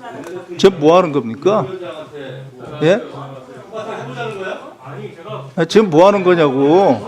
지금 뭐 하는 겁니까? 예? 지금 뭐 하는 거냐고.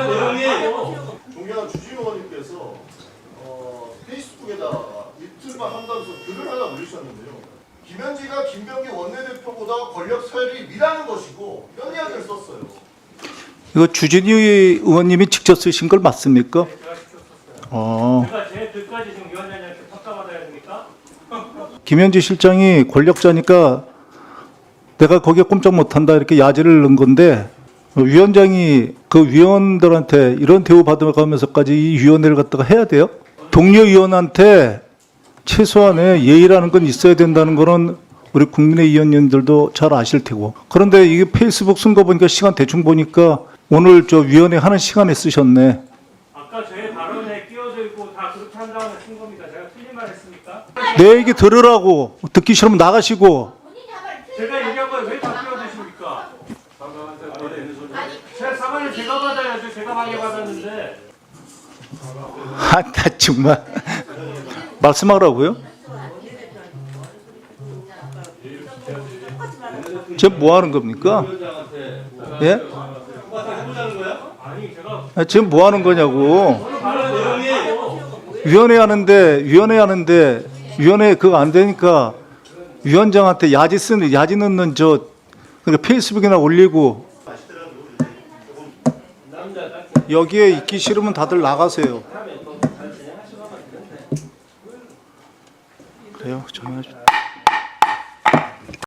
존경하는 주진 의원님께서 페이스북에다가 이틀만 한다면서 글을 하나 올리셨는데요. 김현지가 김병기 원내대표보다 권력 서열이 미라는 것이고 이런 이야기를 썼어요. 이거 주진우 의원님이 직접 쓰신 걸 맞습니까? 제가 제 글까지 지금 위원장님한테 평가받아야 됩니까? 김현지 실장이 권력자니까 내가 거기에 꼼짝 못한다 이렇게 야지를 넣은 건데 위원장이 그 위원들한테 이런 대우 받아가면서까지 이 위원회를 갖다가 해야 돼요? 동료 위원한테 최소한의 예의라는 건 있어야 된다는 거는 우리 국민의 위원님들도 잘 아실 테고. 그런데 이게 페이스북 쓴 거 보니까 시간 대충 보니까 오늘 저 위원회 하는 시간에 쓰셨네. 아까 제 발언에 끼어들고 다 그렇게 한 다음에 쓴 겁니다. 제가 틀린 말 했습니까? 내 얘기 들으라고. 듣기 싫으면 나가시고. 제가 얘기한 거에 왜 다 끼어드십니까? 제 사과를 제가 받아야죠. 제가 방해받았는데. 아, 나 정말. 말씀하라고요? 지금 뭐 하는 겁니까? 예? 지금 뭐 하는 거냐고. 위원회 하는데 위원회 그거 안 되니까 위원장한테 야지 넣는 그러니까 페이스북이나 올리고 여기에 있기 싫으면 다들 나가세요. 그래요? 정말